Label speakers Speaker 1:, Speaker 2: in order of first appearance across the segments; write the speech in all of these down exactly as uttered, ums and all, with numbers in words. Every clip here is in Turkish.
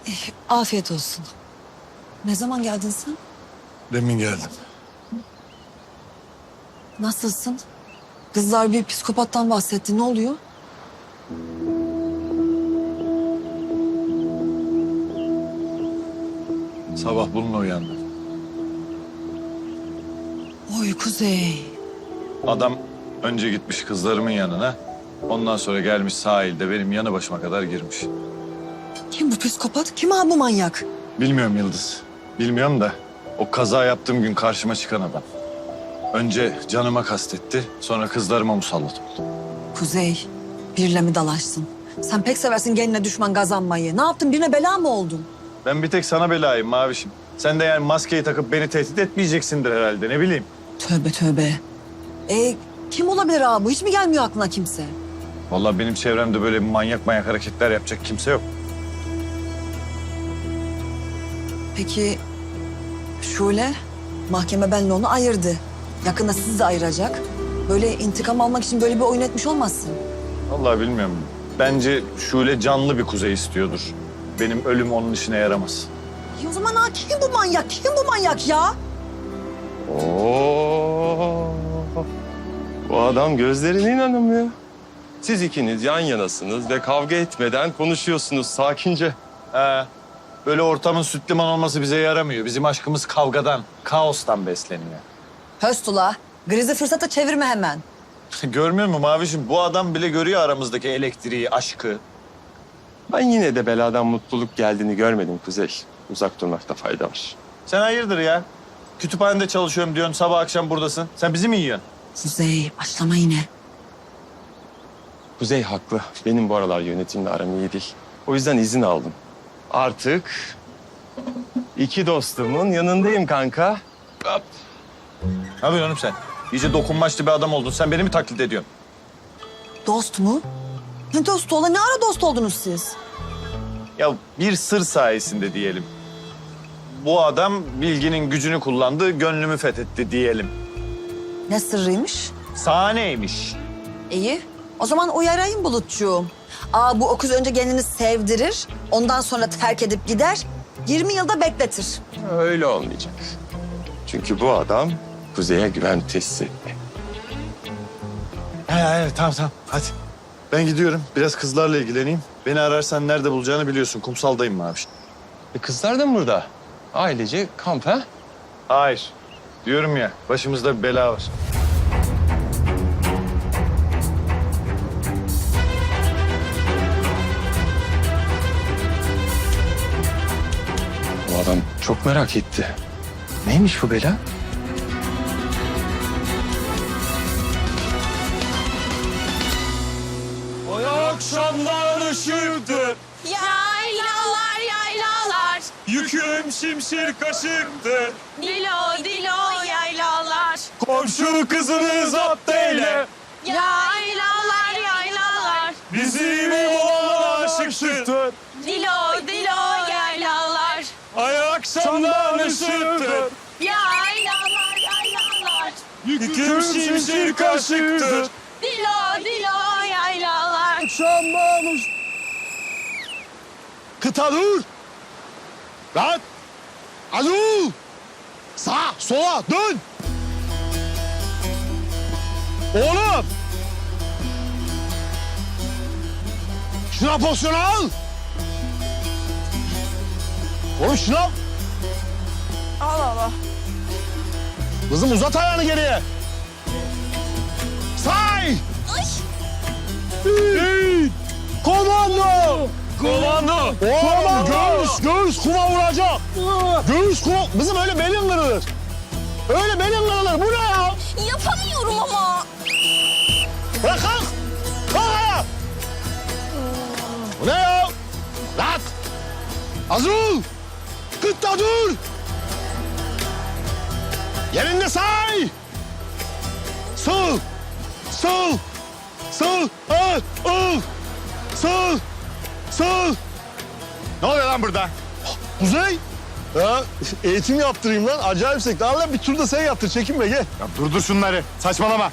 Speaker 1: Eh, Afiyet olsun. Ne zaman geldin sen?
Speaker 2: Demin geldim.
Speaker 1: Nasılsın? Kızlar bir psikopattan bahsetti. Ne oluyor?
Speaker 2: Sabah bununla uyandım.
Speaker 1: Oy Kuzey.
Speaker 2: Adam önce gitmiş kızlarımın yanına. Ondan sonra gelmiş sahilde benim yanı başıma kadar girmiş.
Speaker 1: Kim bu psikopat? Kim abi bu manyak?
Speaker 2: Bilmiyorum Yıldız. Bilmiyorum da o kaza yaptığım gün karşıma çıkan adam. Önce canıma kastetti, sonra kızlarıma musallat oldu.
Speaker 1: Kuzey, birle mi dalaşsın? Sen pek seversin geline düşman kazanmayı. Ne yaptın? Birine bela mı oldun?
Speaker 2: Ben bir tek sana belayım Mavişim. Sen de yani maskeyi takıp beni tehdit etmeyeceksindir herhalde, ne bileyim.
Speaker 1: Tövbe tövbe. E kim olabilir abi bu? Hiç mi gelmiyor aklına kimse?
Speaker 2: Vallahi benim çevremde böyle manyak manyak hareketler yapacak kimse yok.
Speaker 1: Peki Şule, mahkeme benle onu ayırdı. Yakında sizi de ayıracak. Böyle intikam almak için böyle bir oyun etmiş olmazsın.
Speaker 2: Vallahi bilmiyorum. Bence Şule canlı bir Kuzey istiyordur. Benim ölüm onun işine yaramaz.
Speaker 1: Ya o zaman ha, kim bu manyak? Kim bu manyak ya?
Speaker 3: Oo. Bu adam gözlerine inanamıyor. Siz ikiniz yan yanasınız ve kavga etmeden konuşuyorsunuz sakince.
Speaker 2: He. Böyle ortamın süt liman olması bize yaramıyor. Bizim aşkımız kavgadan, kaostan besleniyor.
Speaker 1: Höstula, grizi fırsata çevirme hemen.
Speaker 2: Görmüyor musun Mavişim? Bu adam bile görüyor aramızdaki elektriği, aşkı.
Speaker 3: Ben yine de beladan mutluluk geldiğini görmedim Kuzey. Uzak durmakta fayda var.
Speaker 2: Sen hayırdır ya? Kütüphanede çalışıyorum diyorsun, sabah akşam buradasın. Sen bizi mi yiyorsun?
Speaker 1: Kuzey, başlama yine.
Speaker 3: Kuzey haklı. Benim bu aralar yönetimle aram iyi değil. O yüzden izin aldım. Artık iki dostumun yanındayım kanka. Hop.
Speaker 2: Ne yapıyorsun oğlum sen? İyice dokunmaçlı bir adam oldun. Sen beni mi taklit ediyorsun?
Speaker 1: Dost mu? Ne dostu ola? Ne ara dost oldunuz siz?
Speaker 2: Ya bir sır sayesinde diyelim. Bu adam bilginin gücünü kullandı, gönlümü fethetti diyelim.
Speaker 1: Ne sırrıymış?
Speaker 2: Sahneymiş.
Speaker 1: İyi. O zaman uyarayım Bulutçuğum. Aa bu okuz önce kendini sevdirir, ondan sonra terk edip gider, yirmi yılda bekletir.
Speaker 3: Öyle olmayacak. Çünkü bu adam Kuzey'e güven tesis etti.
Speaker 2: He he tamam tamam hadi. Ben gidiyorum. Biraz kızlarla ilgileneyim. Beni ararsan nerede bulacağını biliyorsun. Kumsaldayım abi.
Speaker 3: E kızlar da mı burada? Ailece kamp ha?
Speaker 2: Hayır. Diyorum ya başımızda bir bela var.
Speaker 3: Bu adam çok merak etti. Neymiş bu bela? O akşamlar ışıktı,
Speaker 4: Yaylalar yaylalar,
Speaker 3: yüküm şimşir kaşıktı.
Speaker 4: dilo dilo yaylalar.
Speaker 3: Komşu kızını zapt eyle,
Speaker 4: Yaylalar yaylalar,
Speaker 3: bizim oğlan aşık çıktı.
Speaker 4: dilo dilo yaylalar.
Speaker 3: Ay akşamlar ışıktı,
Speaker 4: Yaylalar yaylalar,
Speaker 3: yüküm şimşir kaşıktı.
Speaker 4: dilo dilo yaylalar.
Speaker 5: Şambamış. Kıta dur. Lan. Alo. Sağa, sola dön. Oğlum. Şuna pozisyon al. Oğlum şuna.
Speaker 4: Allah Allah.
Speaker 5: Kızım uzat ayağını geriye. Say. Bir. Komando.
Speaker 3: Komando!
Speaker 5: Oğlum göğüs, göğüs kuma vuracak. Göğüs kuma... Kızım öyle belin kırılır. Öyle belin kırılır. Bu ne ya?
Speaker 4: Yapamıyorum ama.
Speaker 5: Bırak kalk. Kalk ayağa. Bu ne ya? Lat. Hazır ol. Kıtta dur. Yerinde say. Sol. Sol. Sol. Al. Al. Sol. Sol. Ne oluyor lan burada? Kuzey. Ya eğitim yaptırayım lan. Acayip sekti. Al lan bir tur da sen yaptır. Çekinme gel.
Speaker 2: Ya durdur şunları. Saçmalama.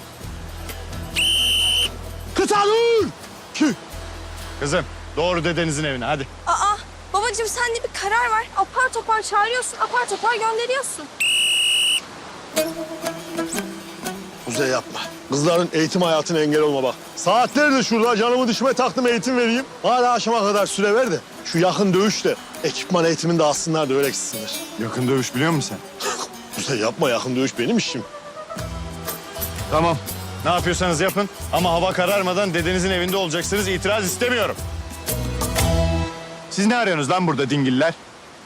Speaker 5: Kıta dur. Kü.
Speaker 2: Kızım doğru dedenizin evine hadi.
Speaker 4: Aa babacığım Babacığım sen de bir karar ver. Apar topar çağırıyorsun, apar topar gönderiyorsun.
Speaker 5: Kuzey yapma. Kızların eğitim hayatına engel olma bak. Saatlerdir şurada canımı düşme taktım eğitim vereyim. Hala akşama kadar süre ver de şu yakın dövüşle ekipman eğitimini de alsınlar da öyle gitsinler.
Speaker 2: Yakın dövüş biliyor musun sen?
Speaker 5: Kuzey yapma, yakın dövüş benim işim.
Speaker 2: Tamam. Ne yapıyorsanız yapın ama hava kararmadan dedenizin evinde olacaksınız. İtiraz istemiyorum. Siz ne arıyorsunuz lan burada dingiller?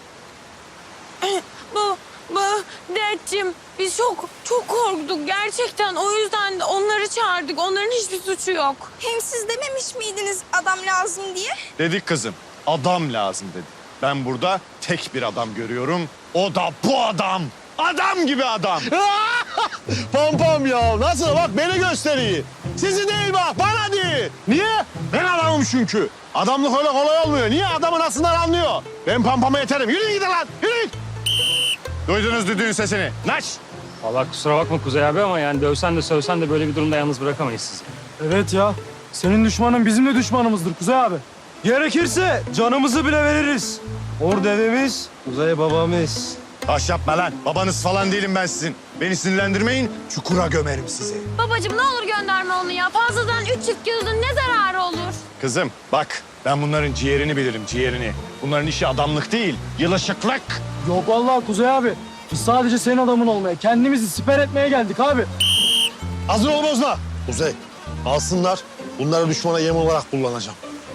Speaker 4: Bu, bu dedeciğim biz çok, çok korktuk gerçekten. O yüzden de onları çağırdık. Onların hiçbir suçu yok. Hem siz dememiş miydiniz adam lazım diye?
Speaker 2: Dedik kızım. Adam lazım dedi. Ben burada tek bir adam görüyorum. O da bu adam. Adam gibi adam.
Speaker 5: Pam pam ya, nasıl bak beni gösteriyor. Sizi değil bak, bana değil. Niye? Ben adamım çünkü. Adamlık öyle kolay olmuyor. Niye? Adamın aslında anlıyor. Ben pam pama yeterim. Yürüyün gidin lan, yürüyün.
Speaker 2: Duydunuz düdüğün sesini. Naş.
Speaker 6: Vallahi kusura bakma Kuzey abi ama yani dövsen de sövsen de böyle bir durumda yalnız bırakamayız sizi.
Speaker 7: Evet ya. Senin düşmanın bizim de düşmanımızdır Kuzey abi. Gerekirse canımızı bile veririz. Orada evimiz, Kuzey babamız.
Speaker 2: Taş yapma lan. Babanız falan değilim ben sizin. Beni sinirlendirmeyin. Çukura gömerim sizi.
Speaker 4: Babacığım ne olur gönderme onu ya. Fazladan üç çift gözün ne zararı olur?
Speaker 2: Kızım bak ben bunların ciğerini bilirim ciğerini. Bunların işi adamlık değil. Yılışıklık.
Speaker 7: Yok vallahi Kuzey abi. Biz sadece senin adamın olmaya, kendimizi siper etmeye geldik abi.
Speaker 5: Hazır ol bozma. Kuzey, alsınlar. Bunları düşmana yem olarak kullanacağım.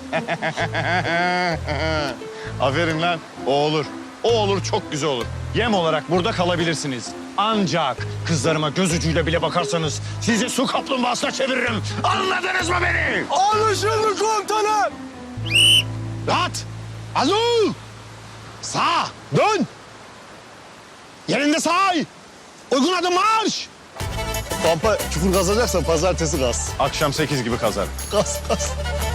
Speaker 2: Aferin lan. O olur. O olur çok güzel olur. Yem olarak burada kalabilirsiniz. Ancak kızlarıma göz ucuyla bile bakarsanız sizi su kaplumbağasına çeviririm. Anladınız mı beni?
Speaker 5: Anlaşıldı komutanım. Rahat. Hazır ol. Sağ. Dön. Yerinde say. Uygun adım marş. Pampa çukur kazacaksan pazartesi kaz.
Speaker 2: Akşam sekiz gibi kazar.
Speaker 5: Kaz kaz.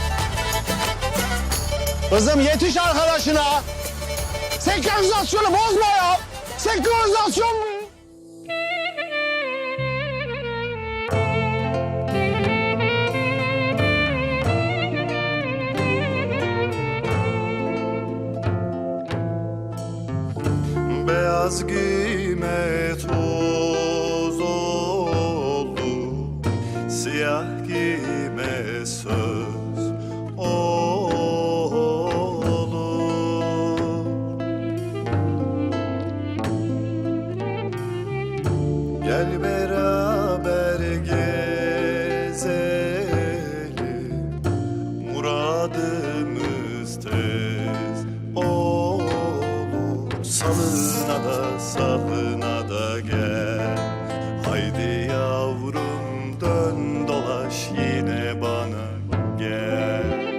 Speaker 5: Kızım yetiş arkadaşına. Senkronizasyonu bozma ya. Senkronizasyon mu?
Speaker 8: Beyaz giyme toz oldu, siyah giyme söz olur. Gel beraber gezelim, muradımız tez olur. Salına da salına da gel, haydi yavrum dön dolaş yine bana gel.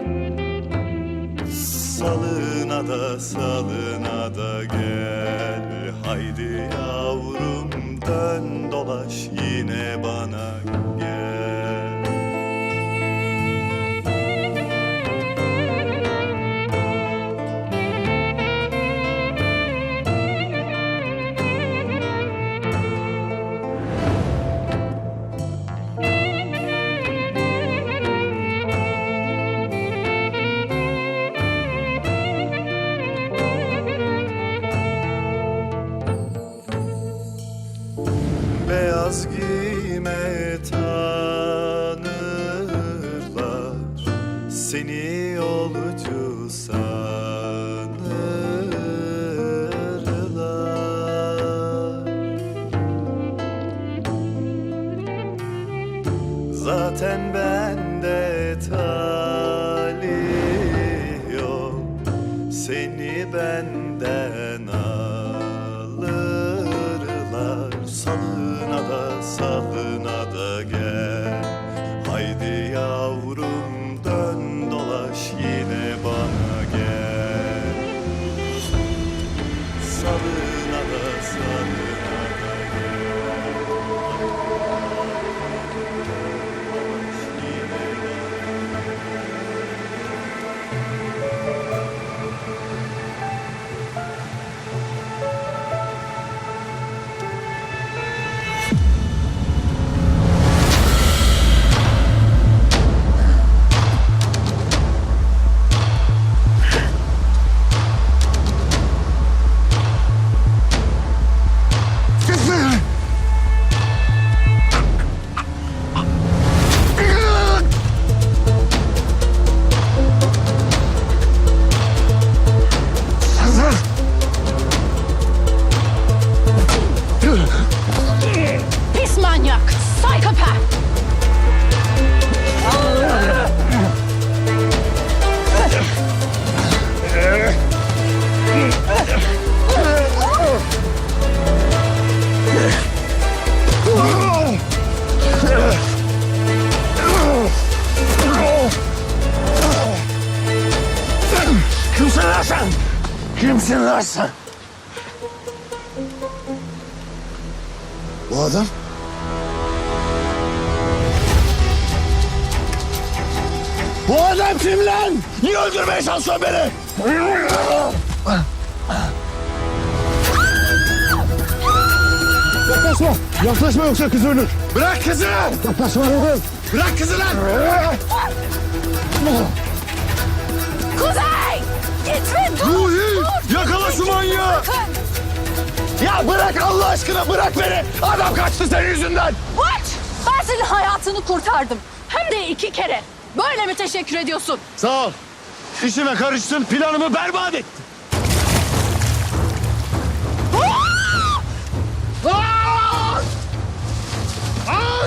Speaker 8: Salına da salına da gel, haydi yavrum dön dolaş yine bana gel. Beyaz giyme tanırlar, seni yolcu sanırlar. Zaten bende talih yok, seni benden alırlar. Salına da salına da gel, haydi yavrum dön dolaş yine bana gel. Salına da salına da gel, dolaş yine
Speaker 2: Kimsin lan sen?
Speaker 5: Bu adam?
Speaker 2: Bu adam kim lan? Niye öldürmeye çalışıyorsun beni?
Speaker 5: Yaklaşma. Yaklaşma yoksa kız ölür.
Speaker 2: Bırak kızı!
Speaker 5: Yaklaşma dedim.
Speaker 2: Bırak kızı lan!
Speaker 4: Kuzey! Gitme dur!
Speaker 2: Ruhi! Yakala şu manyağı! Ya bırak Allah aşkına bırak beni! Adam kaçtı senin yüzünden!
Speaker 9: What? Ben senin hayatını kurtardım. Hem de iki kere. Böyle mi teşekkür ediyorsun?
Speaker 2: Sağ ol. İşime karıştın, planımı berbat ettin. Aa! Aa!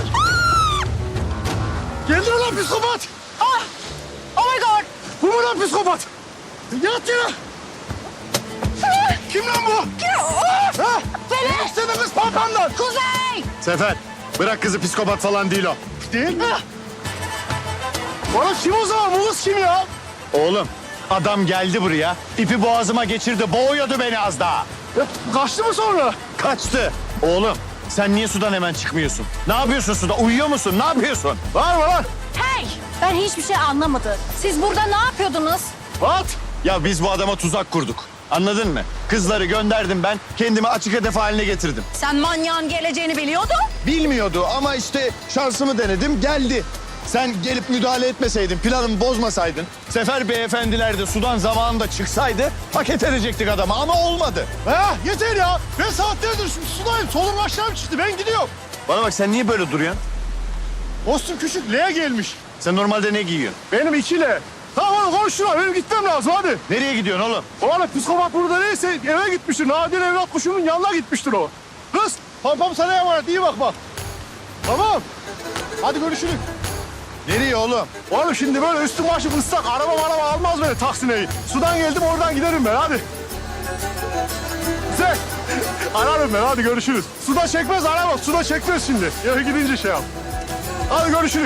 Speaker 2: Geldi lan psikopat!
Speaker 9: Ah! Oh my god!
Speaker 2: Bu mu lan psikopat? Yat yere! Kim lan bu? Ha?
Speaker 9: Beni!
Speaker 2: İstedi kız papandan!
Speaker 9: Kuzey!
Speaker 2: Sefer, bırak kızı psikopat falan değil o. Değil mi?
Speaker 5: Oğlum kim o zaman? Bu kız kim ya?
Speaker 2: Oğlum, adam geldi buraya, ipi boğazıma geçirdi, boğuyordu beni az daha.
Speaker 5: Ya, kaçtı mı sonra?
Speaker 2: Kaçtı. Oğlum, sen niye sudan hemen çıkmıyorsun? Ne yapıyorsun suda? Uyuyor musun? Ne yapıyorsun?
Speaker 5: Var mı lan?
Speaker 9: Hey! Ben hiçbir şey anlamadım. Siz burada ne yapıyordunuz?
Speaker 2: At! Ya biz bu adama tuzak kurduk. Anladın mı? Kızları gönderdim ben, kendimi açık hedef haline getirdim.
Speaker 9: Sen manyağın geleceğini biliyordun.
Speaker 2: Bilmiyordu ama işte şansımı denedim, geldi. Sen gelip müdahale etmeseydin, planımı bozmasaydın, Sefer beyefendiler de sudan zamanında çıksaydı paket edecektik adamı ama olmadı.
Speaker 5: Ha, yeter ya. Ben saatlerdir şu sudayım. Solum aşağım çıktı. Ben gidiyorum.
Speaker 2: Bana bak sen niye böyle duruyorsun?
Speaker 5: Kostüm küçük. L'ye gelmiş.
Speaker 2: Sen normalde ne giyiyorsun?
Speaker 5: Benim iki L. Tamam oğlum koş şuna. Benim gitmem lazım hadi.
Speaker 2: Nereye gidiyorsun oğlum?
Speaker 5: Oğlum psikopat burada neyse eve gitmiştir. Nadir evlat kuşunun yanına gitmiştir o. Kız pampam sana emanet. İyi bak bak. Tamam. Hadi görüşürüz.
Speaker 2: Nereye oğlum?
Speaker 5: Oğlum şimdi böyle üstüm başım ıslak. Araba araba almaz beni taksineyi. Sudan geldim oradan giderim ben hadi. Güzel. Ararım ben hadi görüşürüz. Suda çekmez araba. Suda çekmez şimdi. Eve gidince şey yap. Hadi görüşürüz.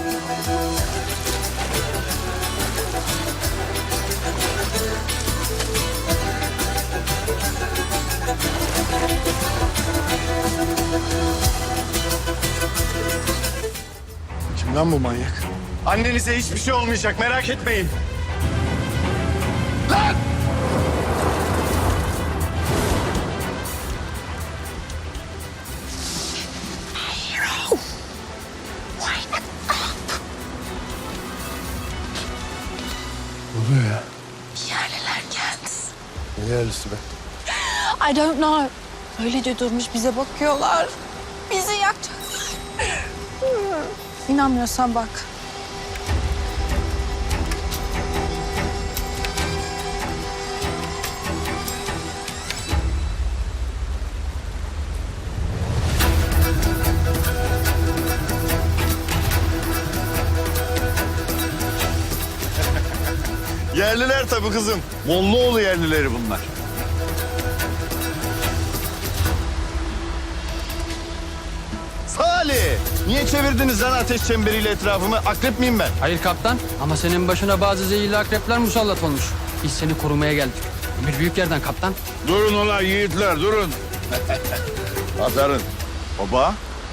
Speaker 2: Kim lan bu manyak? Annenize hiçbir şey olmayacak merak etmeyin. Lan!
Speaker 4: Yerliler geldi.
Speaker 5: Ne yerlisi be?
Speaker 4: I don't know. Öylece durmuş bize bakıyorlar. Bizi yakacaklar. İnanmıyorsan bak.
Speaker 2: Yerliler tabii kızım. Mollaoğlu yerlileri bunlar. Salih! Niye çevirdiniz lan ateş çemberiyle etrafımı? Akrep miyim ben?
Speaker 10: Hayır kaptan ama senin başına bazı zehirli akrepler musallat olmuş. Biz seni korumaya geldik. Bir büyük yerden kaptan.
Speaker 11: Durun ulan yiğitler durun. Aferin.
Speaker 2: Baba.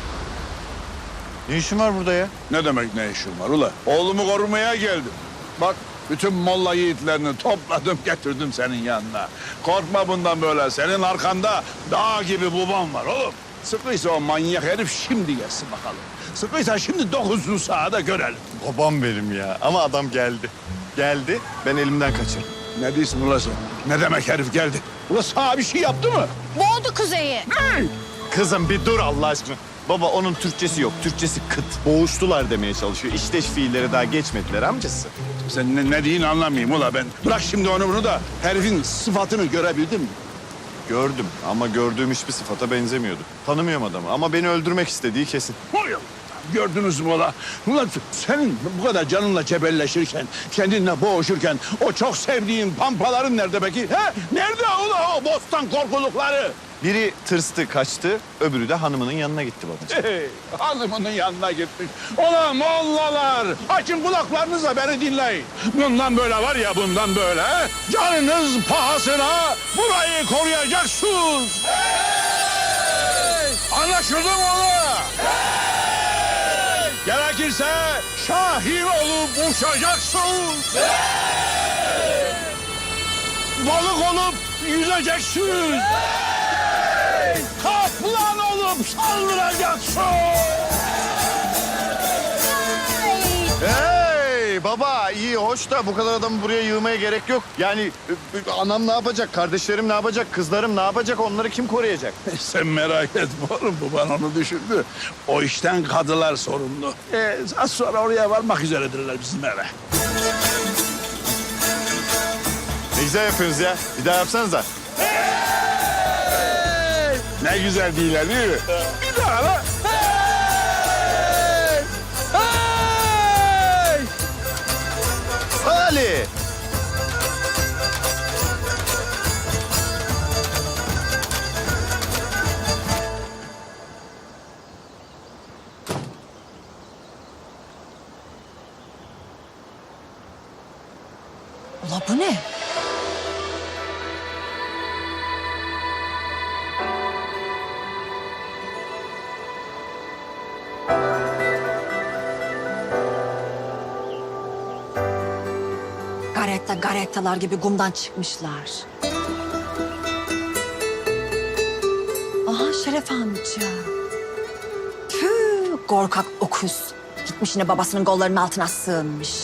Speaker 2: Ne işin var burada ya?
Speaker 11: Ne demek ne işin var ula? Oğlumu korumaya geldim. Bak bütün molla yiğitlerini topladım getirdim senin yanına. Korkma bundan böyle. Senin arkanda dağ gibi babam var oğlum. Sıkıysa o manyak herif şimdi gelsin bakalım. Sıkıysa şimdi dokuzun sahada görelim.
Speaker 2: Babam benim ya. Ama adam geldi. Geldi, ben elimden kaçırdım.
Speaker 11: Ne diyorsun ula sen? Ne demek herif geldi? Ula sana bir şey yaptı mı?
Speaker 9: Boğdu Kuzey'i.
Speaker 2: Kızım bir dur Allah aşkına. Baba onun Türkçesi yok. Türkçesi kıt. Boğuştular demeye çalışıyor. İşteş fiilleri daha geçmediler amcası.
Speaker 11: Sen ne, ne diyeyim anlamayayım ula ben. Bırak şimdi onu bunu da herifin sıfatını görebildin mi?
Speaker 2: Gördüm ama gördüğüm hiçbir sıfata benzemiyordu. Tanımıyorum adamı ama beni öldürmek istediği kesin.
Speaker 11: Oy, gördünüz mü ula? Ulan senin bu kadar canınla cebelleşirken, kendinle boğuşurken o çok sevdiğin pampaların nerede peki? He? Nerede ula o bostan korkulukları?
Speaker 2: Biri tırstı, kaçtı, öbürü de hanımının yanına gitti babacığım.
Speaker 11: Hey, hanımının yanına gitmiş. Ulan mollalar, açın kulaklarınızla beni dinleyin. Bundan böyle var ya, bundan böyle. Canınız pahasına burayı koruyacaksınız. Hey! Anlaşıldı mı oğlum? Hey! Gerekirse şahin olup uçacaksınız. Hey! Balık olup yüzeceksiniz. Hey! Kaplan olup saldıracaksın.
Speaker 2: Hey baba, iyi hoş da bu kadar adamı buraya yığmaya gerek yok. Yani e, e, anam ne yapacak, kardeşlerim ne yapacak, kızlarım ne yapacak, onları kim koruyacak?
Speaker 11: Sen merak etme oğlum, bu bana onu düşündü. O işten kadılar sorumlu. Ee, az sonra oraya varmak üzeredirler bizim eve.
Speaker 2: Ne güzel yapıyorsunuz ya, bir daha yapsanıza.
Speaker 11: Ne güzel değiller değil mi? Bir daha lan. Hey! Hey!
Speaker 2: Salih!
Speaker 1: Ula bu ne? Garetta garettalar gibi kumdan çıkmışlar. Aha Şeref amca. Tüh, korkak okuz. Gitmiş yine babasının kollarının altına sığınmış.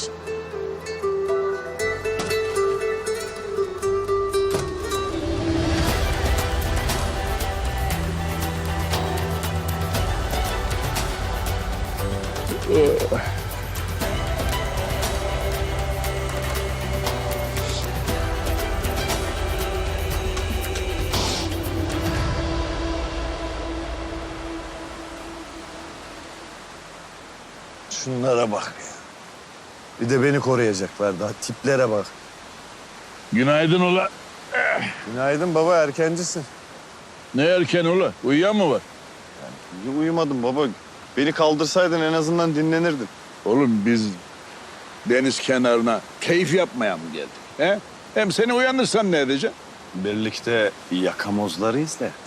Speaker 2: Şunlara bak ya. Bir de beni koruyacaklar daha, tiplere bak.
Speaker 11: Günaydın ula.
Speaker 2: Günaydın baba, erkencisin.
Speaker 11: Ne erken ula? Uyuyan mı var?
Speaker 2: İyi uyumadım baba. Beni kaldırsaydın en azından dinlenirdin.
Speaker 11: Oğlum biz deniz kenarına keyif yapmaya mı geldik? He? Hem seni uyanırsan ne edeceksin?
Speaker 2: Birlikte yakamozları izlerdik.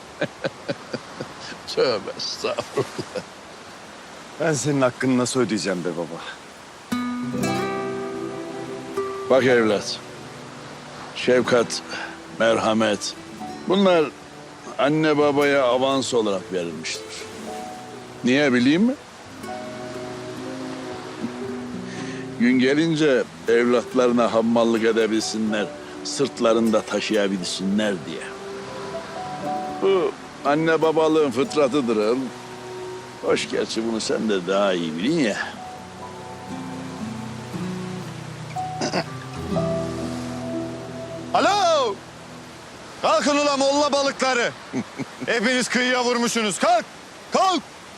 Speaker 11: Tövbe estağfurullah.
Speaker 2: Ben senin hakkını nasıl ödeyeceğim be baba?
Speaker 11: Bak evlat, şefkat, merhamet bunlar anne babaya avans olarak verilmiştir. Niye bileyim mi? Gün gelince evlatlarına hammallık edebilsinler, sırtlarında taşıyabilsinler diye. Bu anne babalığın fıtratıdır oğlum. Hoş gerçi bunu sen de daha iyi bilin ya.
Speaker 2: Alo! Kalkın ulan molla balıkları. Hepiniz kıyıya vurmuşsunuz. Kalk! Kalk!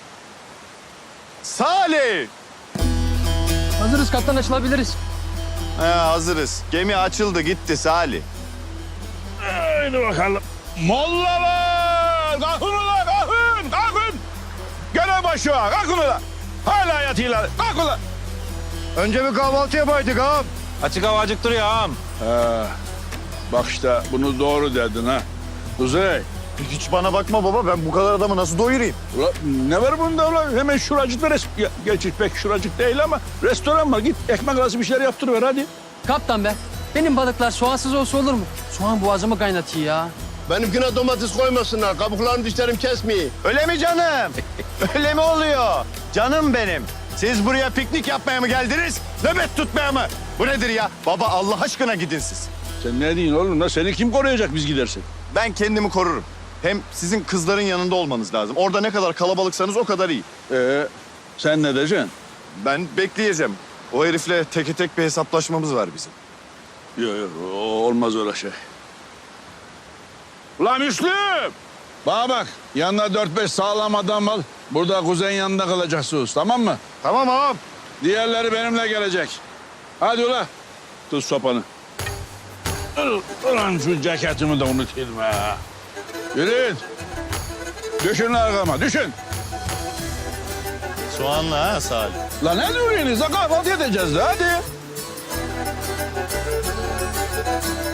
Speaker 2: Salih!
Speaker 10: Hazırız kaptan, açılabiliriz.
Speaker 2: He, hazırız. Gemi açıldı gitti Salih.
Speaker 11: Haydi bakalım. Mollalar! Kalkın ulan, kalkın, kalkın! Görev başı var, kalkın ulan! Hala yatıyorlar, kalkın ulan!
Speaker 2: Önce bir kahvaltı yapaydık ağam.
Speaker 6: Açık hava acıktırıyor ağam.
Speaker 11: Ha, bak işte bunu doğru dedin ha. Kuzey,
Speaker 2: Hiç bana bakma baba, ben bu kadar adamı nasıl doyurayım?
Speaker 11: ulan ne var bunda ulan? Hemen şuracıkta res... Ya, gerçi pek şuracık değil ama restoran var. Git ekmek arası bir şeyler yaptırıver hadi.
Speaker 10: Kaptan be, benim balıklar soğansız olsa olur mu? Soğan boğazımı kaynatıyor ya.
Speaker 7: Benimkine domates koymasınlar. Kabuklarını dişlerim kesmeyin.
Speaker 2: Öyle mi canım? Öyle mi oluyor? Canım benim. Siz buraya piknik yapmaya mı geldiniz? Nöbet tutmaya mı? Bu nedir ya? Baba Allah aşkına gidin siz.
Speaker 11: Sen ne diyorsun oğlum? La seni kim koruyacak biz gidersek?
Speaker 2: Ben kendimi korurum. Hem sizin kızların yanında olmanız lazım. Orada ne kadar kalabalıksanız o kadar iyi.
Speaker 11: Ee, sen ne diyeceksin?
Speaker 2: Ben bekleyeceğim. O herifle teke tek bir hesaplaşmamız var bizim.
Speaker 11: Yok yok olmaz öyle şey. Ulan Müslüm! Bana bak yanına dört beş sağlam adam al. Burada kuzeyin yanında kalacaksınız tamam mı?
Speaker 2: Tamam ağam.
Speaker 11: Diğerleri benimle gelecek. Hadi ula. Tut sopanı. Ulan şu ceketimi de unutayım ha. Yürüyün. Düşün arkama, düşün.
Speaker 2: Soğanla ha Salih.
Speaker 11: La ne duruyorsunuz? Kahvaltı edeceğiz de hadi.